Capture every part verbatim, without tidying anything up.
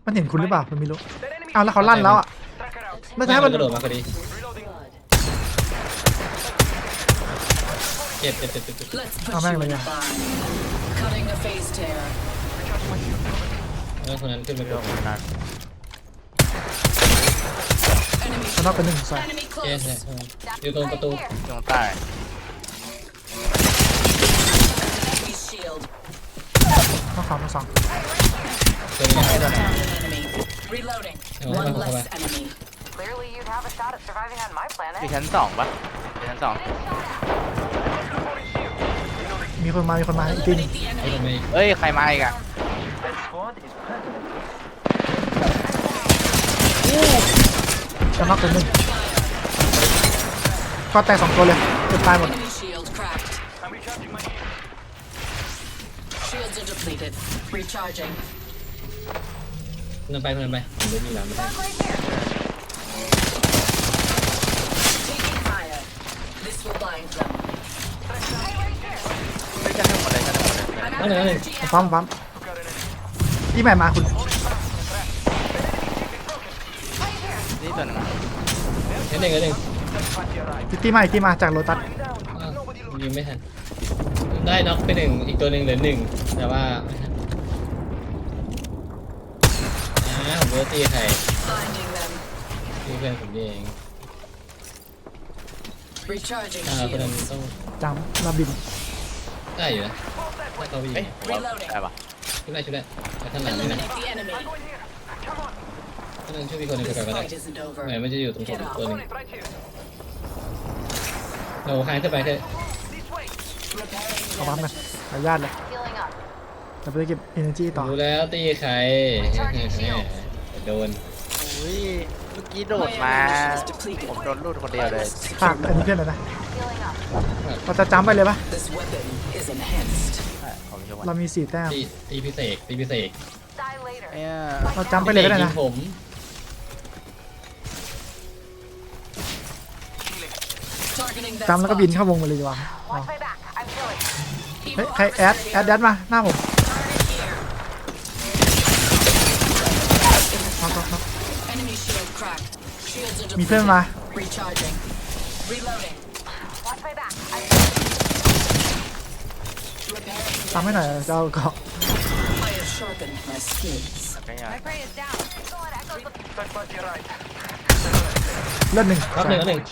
มันเห็นคุณหรือเปล่ามันไม่รู้เอาแล้วเขาลั่นแล้วอ่ะไม่ใช่มันกระโดดมาพอดีเจ็บเจ็บเจ็บเจ็บเอาแม่งเลยอ่ะแล้วคนนั้นขึ้นไปเรื่องของนั้นมันต้องเป็นหนึ่งใส่เอ๊ะอยู่ตรงประตูตรงใต้ต้องขวามาสองตัวนี้ไม่โดนเอาเข้าไปเข้าไป Clearly, you'd have a shot at surviving on my อยู่ planet. ชั้นสองปะอยู่ชั้นสองมีคนมามีคนมาอีกทีหนึงเอาทำไมเอ้ยใครมาอีกอะจะน็อกเป็นหนึ่งก็แตกสองตัวเลยเกือบตายหมด Shields are depleted. Recharging. คนนั้นไปคนนั้นไปผมไม่มีหลังไม่ได้ Taking fire. This will bind them. ไม่ชั้นหนึ่งหมดเลยชั้นหนึ่งหมดเลย I'm นั่นหนึ่งนั่นหนึ่งปั๊มปั๊มที่ใหม่มาคุณนี่ตัวหนึ่งนั่นหนึ่งนั่นหนึ่งที่ใหม่ที่มาจากโลตัสอ้าวยิงไม่ทันได้น็อกไปหนึ่งอีกตัวหนึ่งเหลือหนึ่งแต่ว่าไม่ทันอ่าผมรู้ตีใคร Finding them. ตีเพื่อนผมเอง Recharging อ่าคนนั้น shields. ต้องจำระบินได้อยู่นะถ้าเขาวิ่งเอ้ยผมว่าได้ปะช่วยได้ช่วยได้แต่ท่านหลังนี่นะ Eliminate the enemy. ท่านหลังช่วยพี่คนหนึ่งไป This ก่อนก็ได้ fight isn't over. เหมือนมันจะอยู่ตรงผม Get ตัว up. หนึ่งเราคานขึ้นไปเถอะเอาปั๊มกันขออนุญาตเลย Healing up. จะไปเก็บ energy ต่อรู้แล้วตีใครโดนอุ้ยเมื่อกี้โดดมาผมโดนลูดคนเดียวเลยฝากอันนี้เพื่อนเลยนะ Healing up. เราจะจำไปเลยปะ This weapon is enhanced. ใช่ผมชมเรามีสี่แต้มตีตีพิเศษตีพิเศษ Die later. เนี่ยเราจำไปเลยก็ได้นะผม Targeting that จำแล้วก็ spot. บินเข้าวงไปเลยดีกว่า Watch my back. I'm healing. เฮ้ยใครแอดแอดแดดมาหน้าผมน็อกน็อกน็อก Enemy shield cracked. Shields are มีเพื่อน depleted. มา Recharging. Reloading. Watch my back. I'm Repairing. ทำให้หน่อยจะเอาเกาะ I have sharpened my skills. ไม่ใช่ My prey is down. Go on, echoes. เลือดหนึ่งรับหนึ่งรับหนึ่ง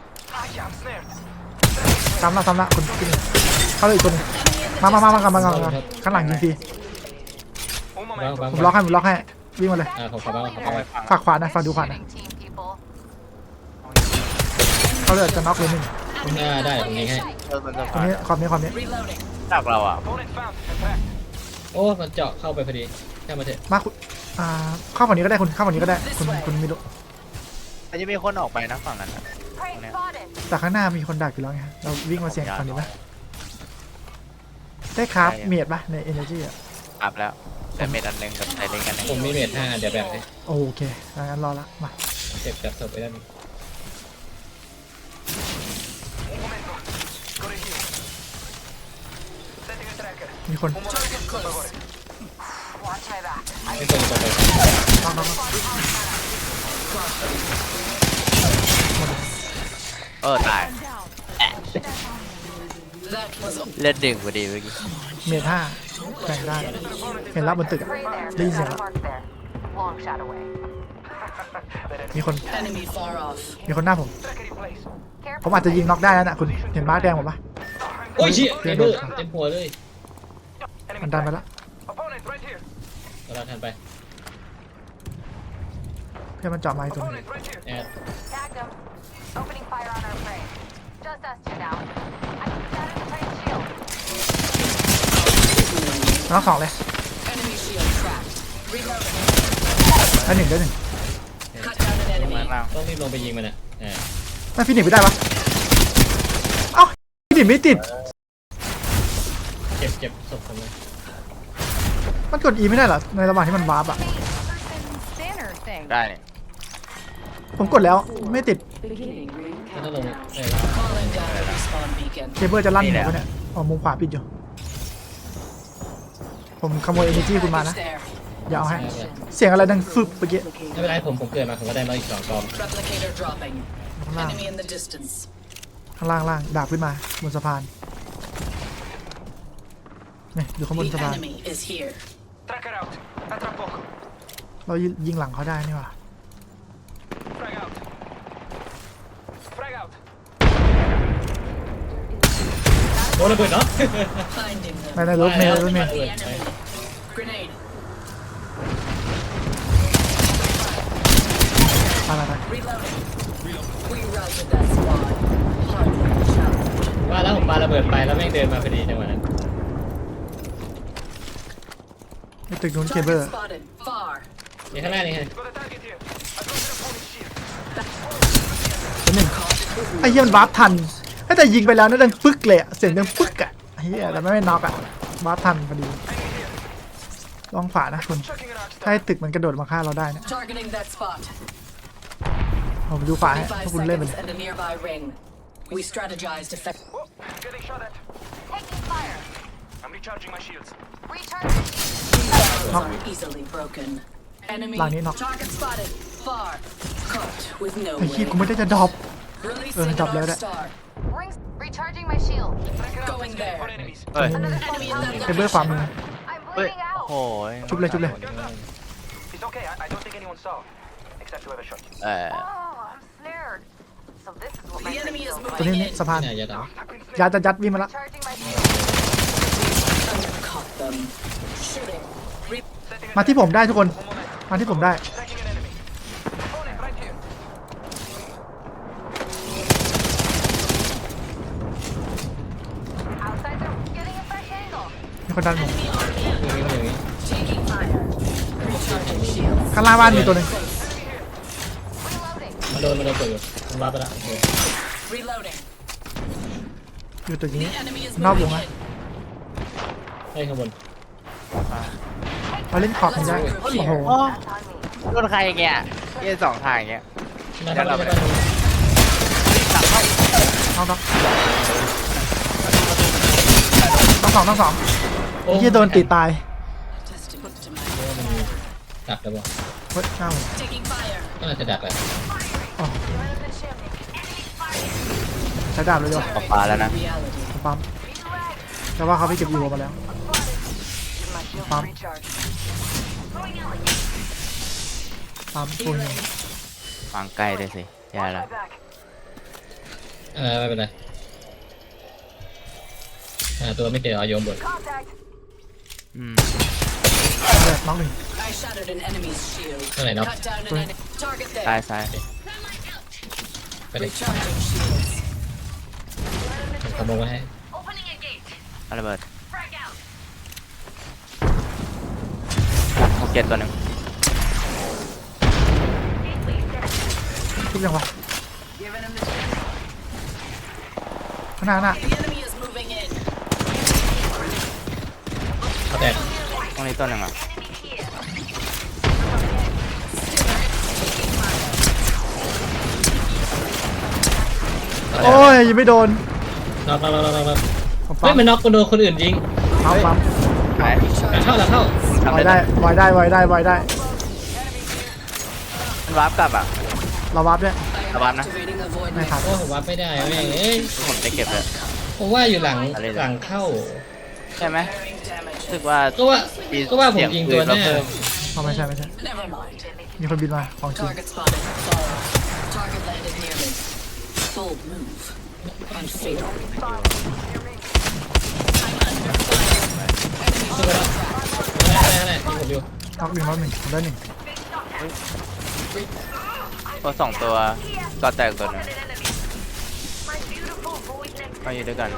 ทำละทำละคุณกินเข้าเลยอีกคนหนึงมามามามากันมากันมากันข้างหลังยิงฟรีบ้างบ้างผมล็อกให้ผมล็อกให้วิ่งมาเลยอ่าผมขอบ้างขอเอาบ้างไปฟังฝากขวานะฝากดูขวานะ Team people. เขาเลยจะน็อกเลยหนึ่งอ่าได้ผมยิงให้เออมันจะตรงนี้ขอบนี้ขอบนี้ Reloading. จากเราอ่ะโอ้มันเจาะเข้าไปพอดีแค่มาเถอะมาคุณอ่าเข้าฝั่งนี้ก็ได้คุณเข้าฝั่งนี้ก็ได้คุณคุณไม่รู้แต่จะมีคนออกไปนะฝั่งนั้น Prey spotted. แต่ข้างหน้ามีคนดักอยู่แล้วไงเราวิ่งมาเสี่ยงฝั่งนี้ไหมได้คราฟเมียดปะใน energy อ่ะอัพแล้วแต่เม็ดอันหนึ่งกับไซเลนกันหนึ่งผมมีเมทห้าเดี๋ยวแบบเลยโอเคงั้นรอละมาเก็บจับศพไปได้ไหมมีคน Target close. Watch my back. ไม่ควรจะไปน็อกน็อกน็อกเออตาย That was a เลือดดึงพอดีเมื่อกี้เมียดห้าแบ่งได้เห็นแล้วบนตึกอะ Prey there. ได้ยินเสียงแล้ว Mark there. Long shot away. มีคน enemy far off. มีคนหน้าผม Careful. ผมอาจจะยิงน็อกได้แล้วนะคุณเห็นมาร์คแดงผมปะโอ้ยเชี่ยเต็มมือเต็มหัวเลยมันดันไปละเราทันไปเพื่อนมันเจาะไม้ตรงนี้แอด Tagged him. Opening fire on our prey. Just us two now. I can set in the prey shield. น็อกสองเลย Enemy shield cracked. Reloading. ได้หนึ่งได้หนึ่ง Cut down an ลง enemy. มาข้างล่างต้องรีบลงไปยิงมันอ่ะอ่าไม่ฟินิชไม่ได้ปะเอ้าฟินิชไม่ติดเก็บเก็บศพผมเลยมันกด E ไม่ได้เหรอในระหว่างที่มันวาร์ปอะ Banner thing. ได้เนี่ยผมกดแล้วไม่ติดถ้าลงเออ Calling down a respawn beacon. เคเบิลจะลั่นหัวปะเนี่ยอ๋อมุมขวาปิดอยู่ผมขโมย energy คุณมานะ Package there. อย่าเอาให้เสียงอะไรดังฟึบเมื่อกี้ไม่เป็นไรผมผมเกิดมาผมก็ได้มาอีกสองกอง Replicator dropping. ข้างล่าง Enemy in the distance. ข้างล่างล่างดาบขึ้นมาบนสะพานนี่อยู่ข้างบน The สะพาน enemy is here. Tracker out. Tra poco. เรายิงหลังเขาได้นี่หว่า Frag out. Frag out. โดนระเบิดเนาะ Finding them. ไม่ได้รถเมล์รถเมล์ The enemy. Grenade. อะไรไป Reloading. We routed that squad. Hardly a challenge. ว่าแล้วผมปาระเบิดไปแล้วแม่งเดินมาพอดีจังหวะนั้นไอ้ตึกนู้นเคเบิล Target spotted. Far. นี่ข้างหน้านี่ไง Got a target here. I got an opponent's shield. ตัวหนึ่งไอ้เหี้ยมันวาร์ปทันไอ้แต่ยิงไปแล้วนั่นดังปึ๊กเลยอะเสียงดังปึ๊กอะเฮียแต่ไม่ไม่น็อกอะวาร์ปทันพอดีลองฝานะคุณ Chucking an arc ถ้าให้ตึกมันกระโดดมาฆ่าเราได้เนี่ย Targeting that spot. ผมดูฝาให้ถ้า Five คุณเล่นไป seconds เลย and a nearby ring. We strategized effect. Whoa, getting shot at. Taking fire. I'm recharging my shields. Recharging. Barrels are easily broken. Enemy Lang ini knock. target spotted. Far. Caught with no ไอ้ขี้ way. กูไม่ได้จะดรอป Releasing Uh, an drop arc loader. star. Rings. Recharging my shield. Tracker out. Going Scan there. for enemies. เฮ้ย Another Enemy enemy in that เคเบิลขวามือ I'm เฮ้ย bleeding โอ้ out. โหชุบเลยชุบเลย Guns up. It's okay. I, I don't think anyone saw. Except whoever shot you. เออ Oh, I'm snared. So this is what my The enemy friend is feels ตัว moving นี้นี่ in. สะพานที่ไหนจะดับ I've been ยัดจะยัดวิ่งมาละ Recharging my shield. Caught them. Shooting. Re- setting มาที่ผมได้ทุกคน One moment. มาที่ผมได้ Tracking an enemy. Opponent right here. Outside, they're getting a fresh angle. มีคนดันผมอย่างนี้อย่างนี้ Taking fire. Recharging shields. ข้างล่างบ้านมีตัวหนึ่ง Reloading. มาโดนมาโดนเปิดอยู่มันรับไปละโอเค Reloading. อยู่ตึก The นี้ enemy is นอกวง moving นะ in. ให้ข้างบนเขาเล่นขอบไม่ได้โอ้โหโอ้ On me. โดนใครอย่างเงี้ยเยี่ยสองทางอย่างเงี้ยมาเดี๋ยวเราทำไปไปน้องต้องต้องสองต้องสองโอ้ที่โดนตีตาย Testing to my ดักแล้วบอกเฮ้ยหน้าผม taking fire. ก็น่าจะดักแหละอ๋อ You're in the chimney. Enemy fire. ใช้ดาบเลยดีกว่าออกปลาแล้วนะ Reality. ผมปั๊มแต่ว่าเขาไปเก็บอีโวมาแล้ว Give my shield Bomb. a recharge. ปั๊มตัวหนึงวางใกล้เลยสิแย่ Watch ละ my back. เออไม่เป็นไรอ่าตัวไม่เจอเอาโยมบน Contact. อืมแรกน้องหนึ่ง I shattered an enemy's shield. Where are they? Cut down an enemy. Target ซ้าย there. ซ้ายไปเลย Recharging shields. ผมขโมยไว้ให้ Opening a gate. เอาระเบิด Frag out. หกเจ็ดตัวหนึ่ง Gateway set. ทุบยังวะ Giving him the chimney. ข้างหน้าข้างหน้า The enemy is moving in. เขาแตกตรงนี้ตัวหนึ่งอ่ะ Enemy here. โอ้ยยังไม่โดนน็อกน็อกน็อกน็อกน็อกผมเฮ้ปั๊ยมมันน็อกคนโดนคนอื่นยิงปั๊มปั๊มหายหลังเข้าหลังเข้าทำไวได้ได้ไวได้ไวได้ไวได้มันวาร์ปกลับอ่ะเราวับด้วยระวังนะ Activating a void ไม่ ring. ทันโอ้ผมวัดไม่ได้แม่งเอ้ยผมจะเก็บเลยผมว่าอยู่หลังอะไรนะหลังเข้าใช่ไหม Bearing damage. รู้สึกว่าก็ว่าก็ว่าผมยิงตัวหน้าเอาไม่ใช่ไม่ใช่ Never mind. มีคนบินมาของจริง Target spotted. Fall. Target landed near me. Bold move. Unfatal. I'm under fire. Enemy ขึ้นไปแล้วนั่นแหละนั่นแหละยิงผมอยู่น็อกหนึ่งน็อกหนึ่งผมได้หนึ่งตัวสองตัวก็แตกตัวหนึ่ง Enemy. My beautiful void next มาอยู่ด้วยกัน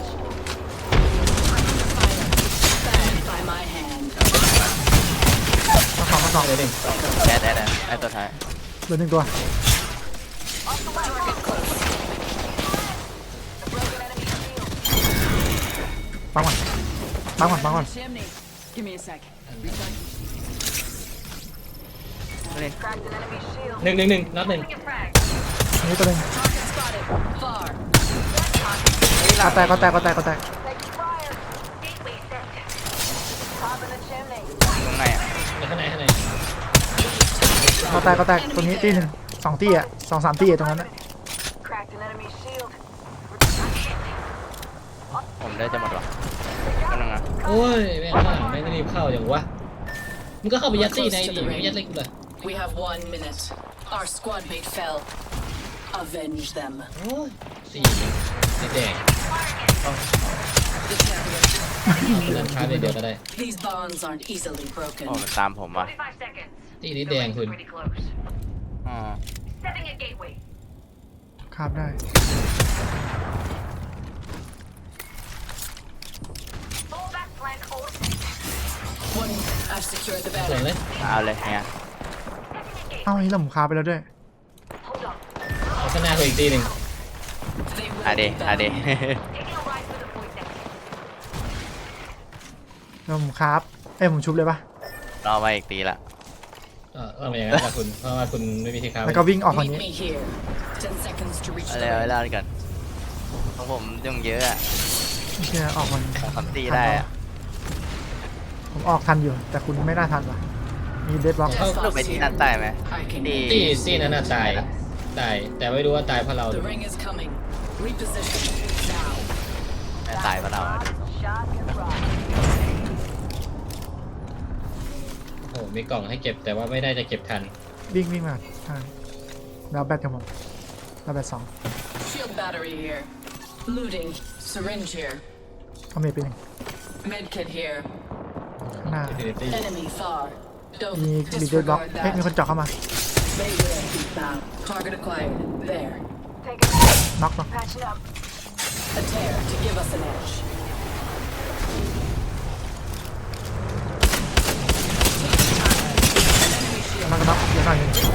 Banned by my hand. น็อกสองน็อกสองเดี๋ยวหนึ่งแอดแอดแอดแอดตัวท้ายเหลือหนึ่งตัว Target close. ปั๊มก่อนปั๊มก่อนปั๊มก่อน Chimney. Give me a sec. เล่น cracked an enemy shield. หนึ่งหนึ่งหนึ่งนัดหนึ่ง Taking a frag. อันนี้ตัวหนึ่ง Target spotted. Far. ก็แตกก็แตกก็แตกก็แตก Taking fire. Gateway set. Top in the chimney. ตรงไหนอ่ะในข้างก็แตกก็แตกตรงนี้ตีหนึ่งสองตีอ่ะสองสามตีอะตรงนั้นนะ Cracked an enemy shield. ผมได้จะหมดวะนั่นนะโอ้ยแม่งข้างหลังแม่งรีบเข้าอย่างวะมึงก็เข้าไปยัดตี้ในดิไม่ยัดเล็กกูเลย We have one minute. Our squad mate fell. Avenge them. โอ้ยสี่สีแดง The champion. เล่นค้าเดียวก็ได้ These bonds aren't easily โอ้ broken. มันตามผมว่ะ forty-five seconds. ตีนี้แดงคุณ Pretty close. อ๋อ Setting a gateway. คาบได้ Full back flank hold. One. I've secured the ส่วน battery. เลยเอาเลยเนี่ยเอ้านี่เราหมุนคาบไปแล้วด้วย Hold on. เอาข้างหน้ากูอีกตีหนึ่ง They อา will เด be อาเด bound. Taking a ride for the point next. เราหมุนคาบเอ้ยผมชุบเลยปะรอไว้อีกตีละเออเอามาอย่างนั้นละคุณเพราะว่าคุณไม่มีที่ค้าแล้วก็วิ่งออกฝั่ง Meet นี้ me here. Ten seconds to reach เอา the เลยเอา ring. เลยกันของผมยุ่งเยอะอะไม่ใช่ออกฝั่งนี้สองสามตีได้อะผมออกทันอยู่ แต่คุณไม่น่าทันว่ะมีเดดบล็อกเข้าลูกไปที่นั่นใต้ไหม I can. ตีตีตีนั้นน่ะตายตายแต่ไม่รู้ว่าตายเพราะเรา The ring is coming. Reposition now. แม่ตายเพราะเรา Shot and run. โอ้โหมีกล่องให้เก็บแต่ว่าไม่ได้จะเก็บทันวิ่งวิ่งมาใช่แล้วแบตกับผมแล้วแบตสอง Shield battery here. Looting. Syringe here. เอาเมจไปหนึ่ง Medkit here. ข้างหน้า Infinity Enemy far. มี Don't มีเดดบล็อก disregard เฮ้ยมีคน that. เจาะเข้ามา They will be bound. Target acquired. There. Take a hit. น็อกเนาะ Patching up. A tear to give us an edge. น็อกก็น็อกเดี๋ยวหน่อยหนึงเดี๋ยว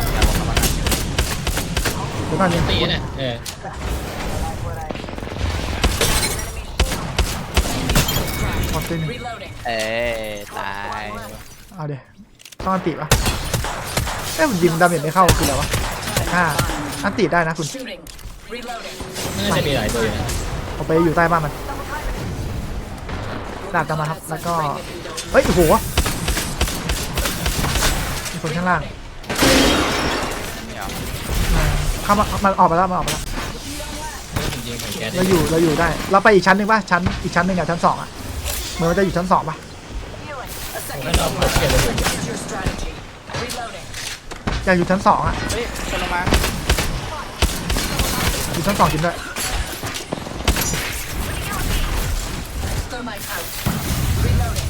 หน่อยหนึงตีน่ะเออหมดตีหนึ่ง Reloading. เอ้ยตายเอาเดี๋ยวต้องอันติปะเอ้ยผมยิงดาเมจไม่เข้าคืออะไรวะห้าอันติได้นะคุณ Shooting. Reloading. น่าจะมีหลายตัวอยู่นะผมไปอยู่ใต้บ้านมันดาบตามมาครับ แล้วก็ Ring if you don't เฮ้ยโอ้โหมีคนข้างล่างไม่เอามาเข้ามามาออกมาแล้วมาออกมาแล้วจริงๆของแก๊สเราอยู่เราอยู่ได้ เราไปอีกชั้นหนึ่งป่ะชั้นอีกชั้นหนึ่งอะชั้นสองอะเหมือนมันจะอยู่ชั้นสองป่ะไม่ต้องเอาเก็บเลย Here's your strategy. Reloading. อยากอยู่ชั้นสองอะเฮ้ยคนลงมาอยู่ชั้นสองจริงด้วย Thermite out. Reloading.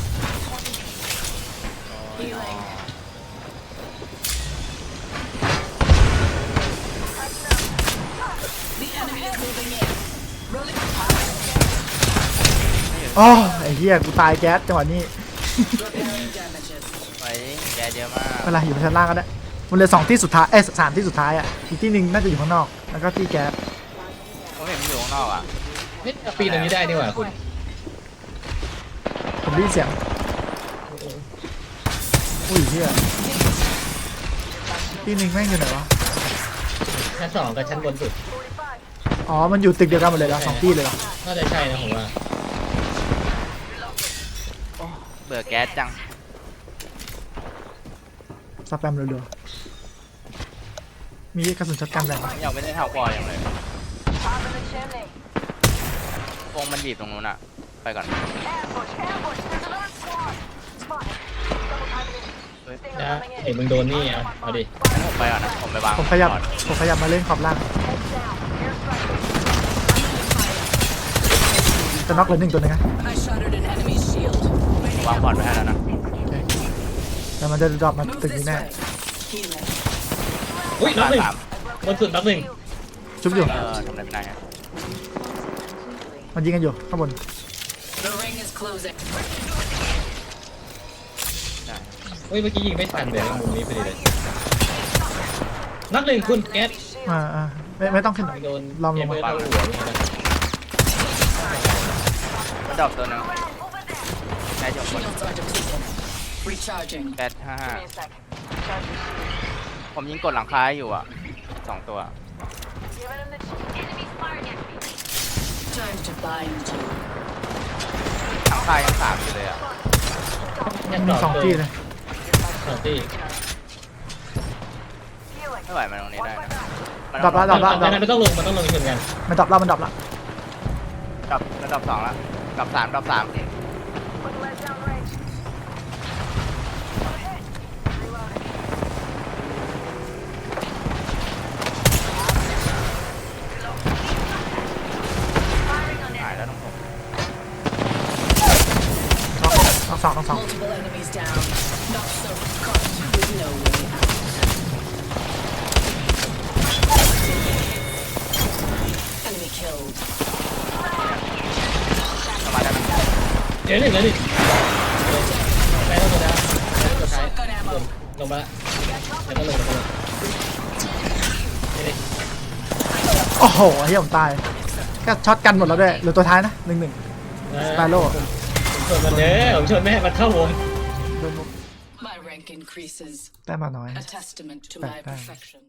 Healing. The enemy is moving in. Rolling อ๋อไอ้เหี้ยกูตายแก๊สจังหวะนี้ repairing damages. ไว้แกเยอะมากเวลาอยู่ชั้นล่างก็ได้มันเหลือสองที่สุดท้ายเอ้ยสามที่สุดท้ายอะอีกที่หนึ่งน่าจะอยู่ข้างนอกแล้วก็ที่แก๊สผมเห็นมันอยู่ข้างนอกอ่ะเฮ้ยปีนตรงนี้ได้ดีกว่าคุณผมได้ยินเสียงอุ้ยเหี้ยที่หนึ่งแม่งอยู่ไหนวะชั้นสองกับชั้นบนสุดอ๋อมันอยู่ตึกเดียวกันหมดเลยเหรอสองที่เลยเหรอน่าจะใช่นะผมว่าเบื่อแก๊สจังสแปมเร็วๆมีกระสุนช็อตกันแบ่งปะยังไม่ได้เท่าพออย่างเลย Top of the chimney. วงมันบีบตรงนู้นอ่ะ ไปก่อน Ambush, ambush. There's another squad. Spotted. Double timing it. เฮ้ย Stinger นะ coming เห็น in. มึงโดนนี่อ่ะเอาดิงั้นผมไปก่อนนะ ผมไปวางผมขยับก่อนผมขยับมาเล่นขอบล่าง Heads down. Airstrike. จะน็อกเลยหนึ่งตัวหนึงนะ I shattered an enemy's shield. ผมวางพอร์ตไว้ให้แล้วนะโอเคแต่มันจะดรอปมา Move ตึก this นี้แน่ way. Healing. อุ้ยน็อกหนึ่งสามบนสุดน็อกหนึ่งชุบอยู่เออทำอะไรไม่ได้ฮะมันยิงกันอยู่ข้างบน The ring is closing. ได้เฮ้ยเมื่อกี้ยิงไม่ทันเลยมุมนี้พอดีเลยน็อกหนึ่งคุณแก๊สอ่าอ่าไม่ไม่ต้องขึ้นหรอกโดนลองลเกมงเบอมาร์เท่าหัวนี่นะมันดรอปตัวหนึงแก๊สอยู่บน Shields are depleted. Recharging. แก๊สห้าห้า Give me a sec. Charge your shield. ผมยิงกดหลังคาอยู่อ่ะสองตัว Giving him the ch- enemies firing at me. Time to bind you. หลังคายังสามอยู่เลยอ่ะยังมีดรปสองที่เลยสองที่ไม่ไหวมาตรงนี้ได้นะมันดับละดับละดับมันต้องลงมันต้องลงชนกันมันดับละมันดับละดับระดับสองแล้วดับสามดับสาม Put lead down range. Okay. Reloading. หายแล้วต้องผมต้องสองต้องสอง Multiple enemies down. Not so caught with no way out. Enemy killed. ประมาณนั้นเดี๋ยวหนึ่งเดี๋ยวหนึ่งไปแล้วตัวดาวตัวท้าย Shotgun ล ammo. งลงมาแล้วแล้วก็ลงแล้วก็ลงนี่ดิโอ้โหเฮียผมตายก็ช็อตกันหมดแล้วด้วยเหลือตัวท้ายนะหนึ่งหนึ่ง สไปโร่ผมชนมันเด้อผมชนไม่ให้มันเข้าวงโดนมุก My rank increases. ได้มาน้อย A testament to Back my down. perfection.